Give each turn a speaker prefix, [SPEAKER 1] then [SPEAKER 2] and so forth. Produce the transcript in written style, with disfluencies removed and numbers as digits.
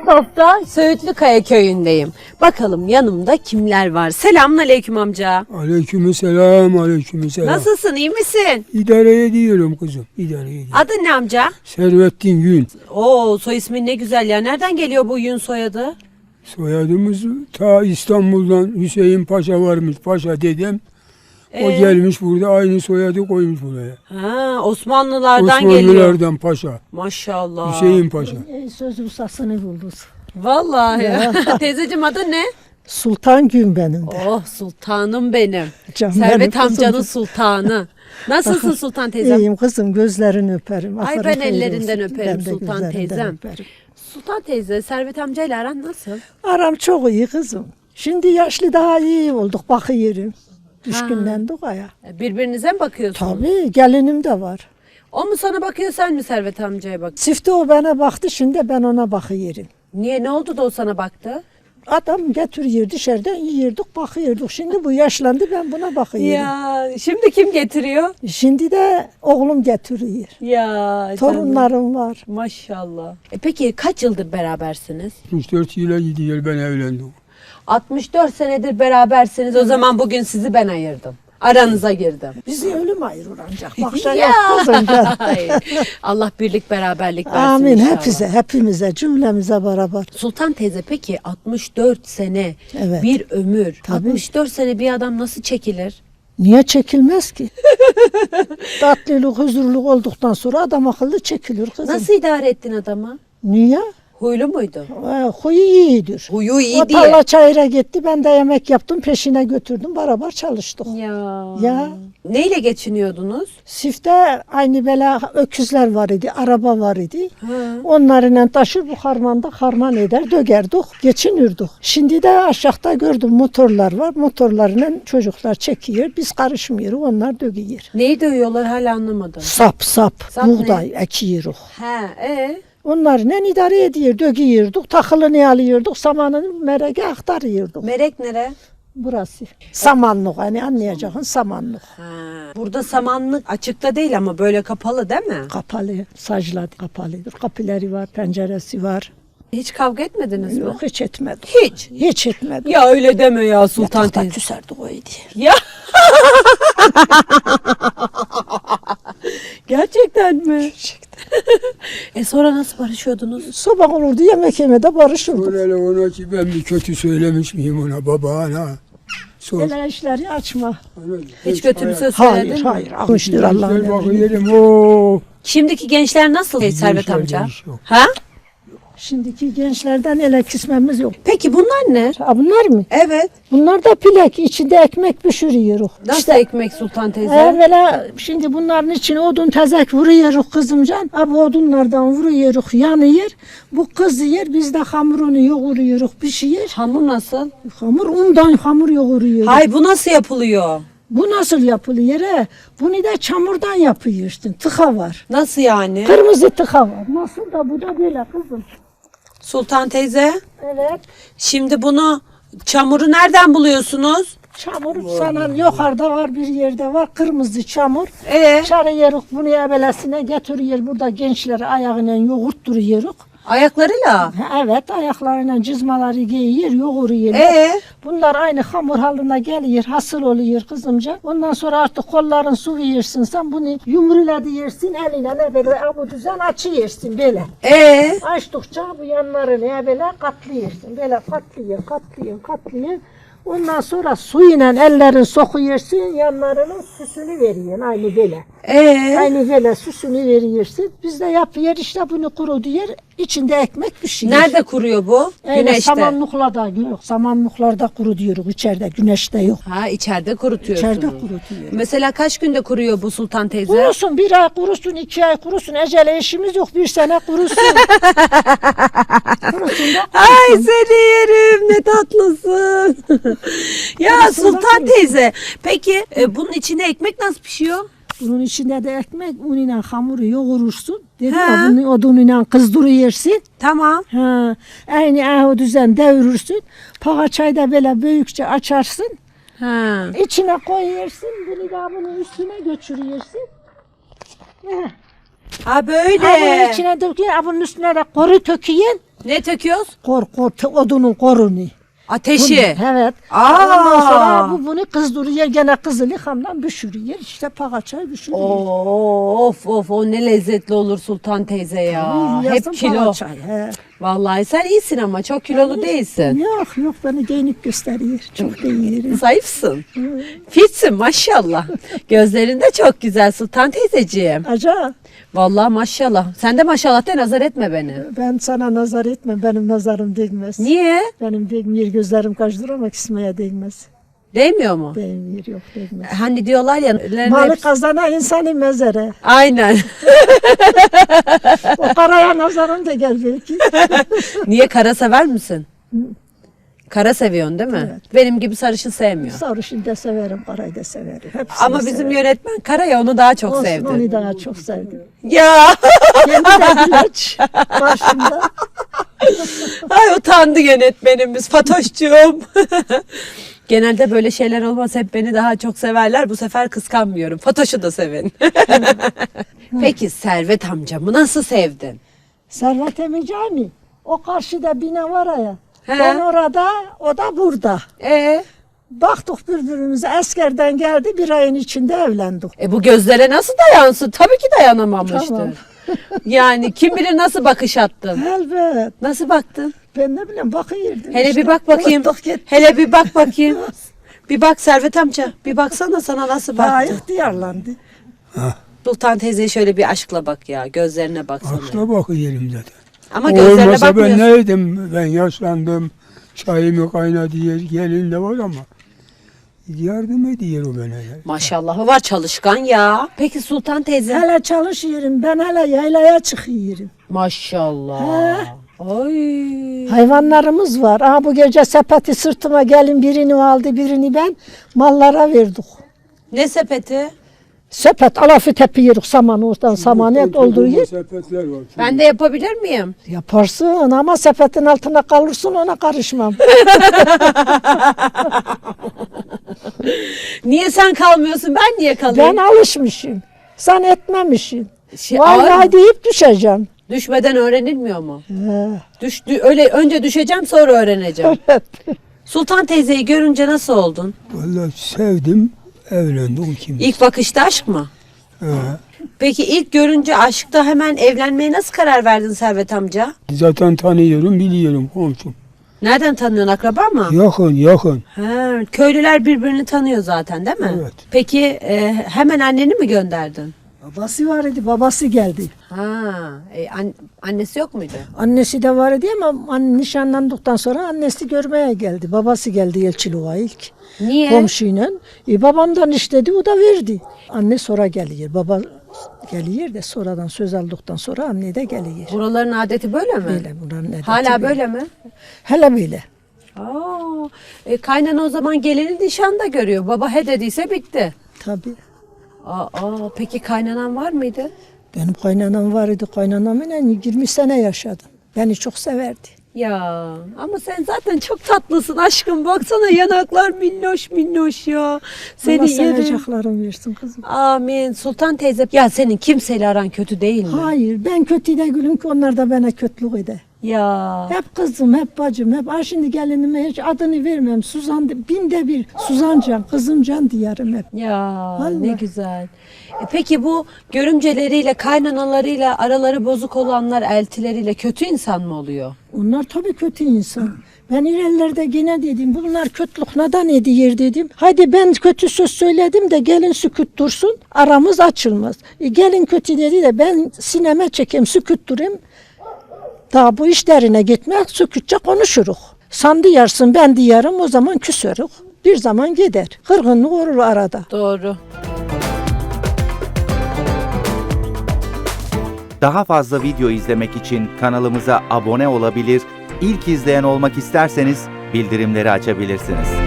[SPEAKER 1] hafta Söğütlükaya köyündeyim. Bakalım yanımda kimler var? Selamünaleyküm amca.
[SPEAKER 2] Aleykümselam, aleykümselam.
[SPEAKER 1] Nasılsın, iyi misin?
[SPEAKER 2] İdare ediyorum kızım, idare ediyorum.
[SPEAKER 1] Adın ne amca?
[SPEAKER 2] Servettin Gül.
[SPEAKER 1] Oo, soy ismin ne güzel ya. Nereden geliyor bu Yün soyadı?
[SPEAKER 2] Soyadımız ta İstanbul'dan Hüseyin Paşa varmış, Paşa dedem. O gelmiş burada aynı soyadı koymuş buraya.
[SPEAKER 1] Ha, Osmanlılardan geliyor.
[SPEAKER 2] Osmanlılardan Paşa.
[SPEAKER 1] Maşallah.
[SPEAKER 2] Hüseyin Paşa.
[SPEAKER 3] Söz ustasını bulduk.
[SPEAKER 1] Vallahi. Teyzeciğim adın ne?
[SPEAKER 3] Sultan Gün benim de.
[SPEAKER 1] Oh sultanım benim.
[SPEAKER 3] Canım
[SPEAKER 1] Servet
[SPEAKER 3] benim kızım.
[SPEAKER 1] amcanın sultanı. Nasılsın Sultan teyzem?
[SPEAKER 3] İyiyim kızım, gözlerini öperim.
[SPEAKER 1] Ay,
[SPEAKER 3] Aferin,
[SPEAKER 1] ben
[SPEAKER 3] hayır
[SPEAKER 1] ellerinden
[SPEAKER 3] olsun.
[SPEAKER 1] öperim
[SPEAKER 3] Ben de
[SPEAKER 1] Sultan
[SPEAKER 3] gözlerinden
[SPEAKER 1] teyzem.
[SPEAKER 3] öperim.
[SPEAKER 1] Sultan teyze, Servet amcayla aran nasıl?
[SPEAKER 3] Aram çok iyi kızım. Şimdi yaşlı daha iyi olduk, bakıyorum. Düşkünlendik aya.
[SPEAKER 1] Birbirinize mi bakıyorsunuz?
[SPEAKER 3] Tabii, gelinim de var.
[SPEAKER 1] O mu sana bakıyor, sen mi Servet amcaya bak?
[SPEAKER 3] Çifte o bana baktı, şimdi ben ona bakıyorum.
[SPEAKER 1] Niye, ne oldu da o sana baktı?
[SPEAKER 3] Adam getiriyor dışarıdan, yiyorduk, bakıyorduk. Şimdi bu yaşlandı, ben buna bakıyorum.
[SPEAKER 1] Ya şimdi kim getiriyor?
[SPEAKER 3] Şimdi de oğlum getiriyor.
[SPEAKER 1] Ya
[SPEAKER 3] Torunlarım var.
[SPEAKER 1] Maşallah. Peki kaç yıldır berabersiniz?
[SPEAKER 2] 64 yıla gidiyor ben evlendim.
[SPEAKER 1] 64 senedir berabersiniz. O zaman bugün sizi ben ayırdım. Aranıza girdim.
[SPEAKER 3] Bizi ölüm ayırır ancak. Bakşa
[SPEAKER 1] Ya.
[SPEAKER 3] yapmaz
[SPEAKER 1] Ay, Allah birlik beraberlik versin
[SPEAKER 3] Amin
[SPEAKER 1] inşallah.
[SPEAKER 3] hepimize, cümlemize beraber.
[SPEAKER 1] Sultan teyze peki 64 sene
[SPEAKER 3] Evet.
[SPEAKER 1] bir ömür.
[SPEAKER 3] Tabii.
[SPEAKER 1] 64 sene bir adam nasıl çekilir?
[SPEAKER 3] Niye çekilmez ki? Tatlılık, huzurluk olduktan sonra adam akıllı çekilir kızım.
[SPEAKER 1] Nasıl idare ettin adamı?
[SPEAKER 3] Niye?
[SPEAKER 1] Huylu muydu?
[SPEAKER 3] Huyu iyidir.
[SPEAKER 1] Huyu iyi
[SPEAKER 3] O
[SPEAKER 1] diye.
[SPEAKER 3] tarla çayıra gitti, ben de yemek yaptım, peşine götürdüm, beraber çalıştık. Ya.
[SPEAKER 1] Neyle geçiniyordunuz?
[SPEAKER 3] Sifte aynı böyle öküzler var idi, araba var idi.
[SPEAKER 1] Ha.
[SPEAKER 3] Onlarla taşır bu harmanda harman eder, dögerdik, geçinirdik. Şimdi de aşağıda gördüm motorlar var, motorlarla çocuklar çekiyor, biz karışmıyoruz, onlar dögüyor.
[SPEAKER 1] Neyi dövüyorlar hala anlamadım.
[SPEAKER 3] Sap,
[SPEAKER 1] Sap
[SPEAKER 3] buğday ekiyoruz.
[SPEAKER 1] He,
[SPEAKER 3] Onlarla idare ediyor, dögüyorduk, takılını alıyorduk, samanını merege aktarıyorduk.
[SPEAKER 1] Merek nere?
[SPEAKER 3] Burası. Samanlık, hani anlayacağın samanlık.
[SPEAKER 1] Ha. Burada samanlık açıkta değil ama böyle kapalı değil mi?
[SPEAKER 3] Kapalı, sacla kapalıdır. Kapıları var, penceresi var.
[SPEAKER 1] Hiç kavga etmediniz mi?
[SPEAKER 3] Yok, hiç etmedik.
[SPEAKER 1] Hiç.
[SPEAKER 3] Hiç etmedik.
[SPEAKER 1] Ya öyle deme ya Sultan
[SPEAKER 3] Yatakta
[SPEAKER 1] teyze.
[SPEAKER 3] küserdik o idi.
[SPEAKER 1] Ya. Gerçekten mi? Gerçekten. Sonra nasıl barışıyordunuz?
[SPEAKER 3] Sabah olurdu, yemek yemede barışırdık.
[SPEAKER 2] Öyle ona ki ben bir kötü söylemiş miyim ona, baba ana. Sor.
[SPEAKER 3] Öyle işleri açma.
[SPEAKER 1] Hiç kötü bir söz söyledin
[SPEAKER 3] Hayır,
[SPEAKER 1] mi?
[SPEAKER 3] hayır. Almıştır Allah'ın
[SPEAKER 2] Gençler
[SPEAKER 3] emri.
[SPEAKER 2] bakıyorum o.
[SPEAKER 1] Şimdiki gençler nasıl Servet
[SPEAKER 2] Gençler
[SPEAKER 1] amca?
[SPEAKER 2] değişiyor.
[SPEAKER 1] Ha?
[SPEAKER 3] Şimdiki gençlerden ele kısmemiz yok.
[SPEAKER 1] Peki bunlar ne?
[SPEAKER 3] Ha, bunlar mı?
[SPEAKER 1] Evet.
[SPEAKER 3] Bunlar da pilek. İçinde ekmek pişiriyoruz.
[SPEAKER 1] Nasıl ekmek Sultan teyze?
[SPEAKER 3] Evvela şimdi bunların için odun tezek vuruyoruz kızımcan. Bu odunlardan vuruyoruz, yanıyor. Bu kızıyor, biz de hamurunu yoğuruyoruz, pişiyor.
[SPEAKER 1] Hamur nasıl?
[SPEAKER 3] Hamur undan hamur yoğuruyoruz.
[SPEAKER 1] Hay bu nasıl yapılıyor?
[SPEAKER 3] Bu nasıl yapılıyor? Bunu da çamurdan yapıyorsun. Tıka var.
[SPEAKER 1] Nasıl yani?
[SPEAKER 3] Kırmızı tıka var. Nasıl da bu da böyle kızım.
[SPEAKER 1] Sultan teyze,
[SPEAKER 3] Evet.
[SPEAKER 1] şimdi bunu çamuru nereden buluyorsunuz?
[SPEAKER 3] Çamur sana yukarıda var, bir yerde var. Kırmızı çamur.
[SPEAKER 1] Ee,
[SPEAKER 3] Çarıyoruz bunu evvelesine getiriyor. Burada gençleri ayağıyla yoğurtturuyoruz.
[SPEAKER 1] ayaklarıyla.
[SPEAKER 3] Evet, ayaklarıyla cızmaları giyiyor, yoğuruyor. Bunlar aynı hamur haline geliyor, hasıl oluyor kızımca. Ondan sonra artık kolların su yersin sen bunu yumruyla yersin, eline ne böyle bu düzen açıyorsun böyle. Açtıkça bu yanlarını böyle katlıyorsun. Böyle katlıyor. Ondan sonra suyla ellerin sokuyorsun, yanlarının süsünü veriyorsun aynı böyle. Aynı böyle süsünü veriyorsun. Biz de yapıyor işte bunu kuru diyor. İçinde ekmek pişiyor.
[SPEAKER 1] Nerede kuruyor bu? Güneşte.
[SPEAKER 3] Samanlıklarda yok. Samanlıklarda kuru diyoruz. İçeride güneşte yok.
[SPEAKER 1] Ha, içeride kurutuyorsunuz.
[SPEAKER 3] İçeride kurutuyor.
[SPEAKER 1] Mesela kaç günde kuruyor bu Sultan teyze?
[SPEAKER 3] Kurusun, bir ay kurusun, 2 ay kurusun. Ecele işimiz yok, 1 sene kurusun. Kurusun da
[SPEAKER 1] Ay seni yerim, ne tatlısın. Ya Sultan teyze, peki bunun içinde ekmek nasıl pişiyor?
[SPEAKER 3] bunun içinde de ekmek, unuyla hamuru yoğurursun. Dedi
[SPEAKER 1] Ha.
[SPEAKER 3] ya, bunu odunuyla kızdırıyorsun.
[SPEAKER 1] Tamam.
[SPEAKER 3] Ha, aynı o düzen devirirsin. Paçayı da böyle büyükçe açarsın.
[SPEAKER 1] Ha.
[SPEAKER 3] İçine koyuyorsun. Bunu da bunun üstüne götürüyorsun.
[SPEAKER 1] Ha böyle.
[SPEAKER 3] Ha, bunun içine döküyorsun. Bunun üstüne de koru töküyorsun.
[SPEAKER 1] Ne töküyoruz?
[SPEAKER 3] Odunun korunu.
[SPEAKER 1] Ateşi.
[SPEAKER 3] Evet.
[SPEAKER 1] Aa!
[SPEAKER 3] Ondan sonra bunu kızdırıyor. Gene kızılı hamdan pişiriyor. İşte paçayı pişiriyor.
[SPEAKER 1] Of o ne lezzetli olur Sultan teyze ya. Hep kilo.
[SPEAKER 3] He.
[SPEAKER 1] Vallahi sen iyisin ama çok kilolu değilsin.
[SPEAKER 3] Yok beni giyinip gösteriyor. Çok da iyiyim.
[SPEAKER 1] Zayıfsın. Fitsin maşallah. Gözlerin de çok güzel Sultan teyzeciğim.
[SPEAKER 3] Aca
[SPEAKER 1] Vallahi maşallah. Sen de maşallah de nazar etme beni.
[SPEAKER 3] ben sana nazar etmem. Benim nazarım değmez.
[SPEAKER 1] Niye?
[SPEAKER 3] Benim değmiyor. Gözlerim kaçtıramak ismeye değmez.
[SPEAKER 1] Değmiyor mu?
[SPEAKER 3] Değmiyor. Yok değmez.
[SPEAKER 1] Hani diyorlar ya.
[SPEAKER 3] Malı kazanan insanı mezere.
[SPEAKER 1] Aynen.
[SPEAKER 3] O karaya nazarım da gel belki.
[SPEAKER 1] Niye kara sever misin? Kara seviyorsun değil mi?
[SPEAKER 3] Evet.
[SPEAKER 1] Benim gibi sarışın sevmiyor.
[SPEAKER 3] Sarışın da severim, karayı da severim. Hepsini
[SPEAKER 1] Ama bizim
[SPEAKER 3] severim.
[SPEAKER 1] yönetmen kara ya onu daha çok
[SPEAKER 3] Olsun,
[SPEAKER 1] sevdi.
[SPEAKER 3] onu daha çok sevdim.
[SPEAKER 1] Ya
[SPEAKER 3] Kendi de ilaç karşımda.
[SPEAKER 1] ay utandı yönetmenimiz Fatoş'cuğum. Genelde böyle şeyler olmaz hep beni daha çok severler. Bu sefer kıskanmıyorum. Fatoş'u da sevin. Peki Servet amcamı nasıl sevdin?
[SPEAKER 3] Servet Emicani. O karşıda bina var ya.
[SPEAKER 1] He.
[SPEAKER 3] Ben orada, o da burada. Baktık birbirimize. Askerden geldi, bir ayın içinde evlendik.
[SPEAKER 1] Bu gözlere nasıl dayansın? Tabii ki dayanamamıştır.
[SPEAKER 3] Tamam.
[SPEAKER 1] Yani kim bilir nasıl bakış attın?
[SPEAKER 3] Elbet.
[SPEAKER 1] Nasıl baktın?
[SPEAKER 3] Ben ne bileyim bakıyordum.
[SPEAKER 1] Hele
[SPEAKER 3] işte.
[SPEAKER 1] bir bak bakayım.
[SPEAKER 3] Baktık gitti.
[SPEAKER 1] Hele bir bak bakayım. Bir bak Servet amca. Bir baksana sana nasıl
[SPEAKER 3] Daha
[SPEAKER 1] baktı.
[SPEAKER 3] ihtiyarlandı.
[SPEAKER 1] Sultan teyzeye şöyle bir aşkla bak ya. Gözlerine baksana.
[SPEAKER 2] Akla bakıyorum zaten.
[SPEAKER 1] Ama gözlerine
[SPEAKER 2] Olmasa ben
[SPEAKER 1] bakmıyorsun.
[SPEAKER 2] neydim? Ben yaşlandım. Çayımı kaynadı yer. Gelin de var ama. Yardım ediyor o bana. Ya.
[SPEAKER 1] Maşallahı var çalışkan ya. Peki Sultan teyze?
[SPEAKER 3] Hele çalışıyorum. Ben hele yaylaya çıkıyorum.
[SPEAKER 1] Maşallah. Ay.
[SPEAKER 3] Hayvanlarımız var. Aha bu gece sepeti sırtıma gelin birini aldı birini ben mallara verdik.
[SPEAKER 1] Ne sepeti?
[SPEAKER 3] Sepet alafı tepiyoruz samanı oradan samanı dolduruyor.
[SPEAKER 2] Sepetler var.
[SPEAKER 1] Ben de yapabilir miyim?
[SPEAKER 3] Yaparsın ama sepetin altına kalırsın ona karışmam.
[SPEAKER 1] Niye sen kalmıyorsun? Ben niye
[SPEAKER 3] Ben
[SPEAKER 1] kalayım?
[SPEAKER 3] alışmışım. Sen etmemişsin.
[SPEAKER 1] Ağır
[SPEAKER 3] Vay
[SPEAKER 1] mı?
[SPEAKER 3] vay deyip düşeceğim.
[SPEAKER 1] Düşmeden öğrenilmiyor mu?
[SPEAKER 3] He.
[SPEAKER 1] Öyle önce düşeceğim sonra öğreneceğim.
[SPEAKER 3] Evet.
[SPEAKER 1] Sultan teyzeyi görünce nasıl oldun?
[SPEAKER 2] Vallahi sevdim. Evlendim kim?
[SPEAKER 1] İlk bakışta aşk mı?
[SPEAKER 2] He.
[SPEAKER 1] Peki ilk görünce aşkta hemen evlenmeye nasıl karar verdin Servet amca?
[SPEAKER 2] Zaten tanıyorum, biliyorum komşum.
[SPEAKER 1] Nereden tanıyorsun, akraba mı?
[SPEAKER 2] Yakın.
[SPEAKER 1] Ha, köylüler birbirini tanıyor zaten değil mi?
[SPEAKER 2] Evet.
[SPEAKER 1] Peki hemen anneni mi gönderdin?
[SPEAKER 3] Babası var idi babası geldi.
[SPEAKER 1] Ha, annesi yok muydu?
[SPEAKER 3] Annesi de var idi ama nişanlandıktan sonra annesi görmeye geldi. Babası geldi Elçiluğa ilk.
[SPEAKER 1] Niye?
[SPEAKER 3] Komşuyla. Babamdan istedi o da verdi. Anne sonra geliyor. Baba geliyor de sonradan söz aldıktan sonra anne de geliyor.
[SPEAKER 1] Buraların adeti böyle mi?
[SPEAKER 3] Böyle buranın adeti
[SPEAKER 1] Hala böyle mi?
[SPEAKER 3] Hele böyle.
[SPEAKER 1] Aa, kaynana o zaman gelini nişanda görüyor. Baba he dediyse bitti.
[SPEAKER 3] Tabii.
[SPEAKER 1] Peki kaynanan var mıydı?
[SPEAKER 3] Benim kaynanam var idi. Kaynanamla 20 sene yaşadım. Beni çok severdi.
[SPEAKER 1] Ya ama sen zaten çok tatlısın aşkım. Baksana yanaklar minnoş minnoş ya.
[SPEAKER 3] Allah
[SPEAKER 1] Seni yerim.
[SPEAKER 3] seveceklerim versin kızım.
[SPEAKER 1] Amin. Sultan teyze. Ya senin kimseyle aran kötü değil mi?
[SPEAKER 3] Hayır ben kötü de gülüm ki onlar da bana kötülük eder.
[SPEAKER 1] Ya.
[SPEAKER 3] Hep kızım, hep bacım, hep. Şimdi gelinime hiç adını vermem. Suzan, binde bir Suzancan, kızımcan diyerim hep.
[SPEAKER 1] Ya
[SPEAKER 3] Vallahi.
[SPEAKER 1] ne güzel. Peki bu görümceleriyle, kaynanalarıyla araları bozuk olanlar eltileriyle kötü insan mı oluyor?
[SPEAKER 3] Onlar tabii kötü insan. Ben ilerlerde yine dedim bunlar kötülük neden ediyor dedim. Haydi ben kötü söz söyledim de gelin sükut dursun aramız açılmaz. Gelin kötü dedi de ben sineme çekeyim sükut durayım. Daha bu işlerine gitmek sükutça konuşuruk. Sen diyarsın ben diyarım o zaman küsörük. Bir zaman gider. Kırgınlık olur arada.
[SPEAKER 1] Doğru.
[SPEAKER 4] Daha fazla video izlemek için kanalımıza abone olabilir, ilk izleyen olmak isterseniz bildirimleri açabilirsiniz.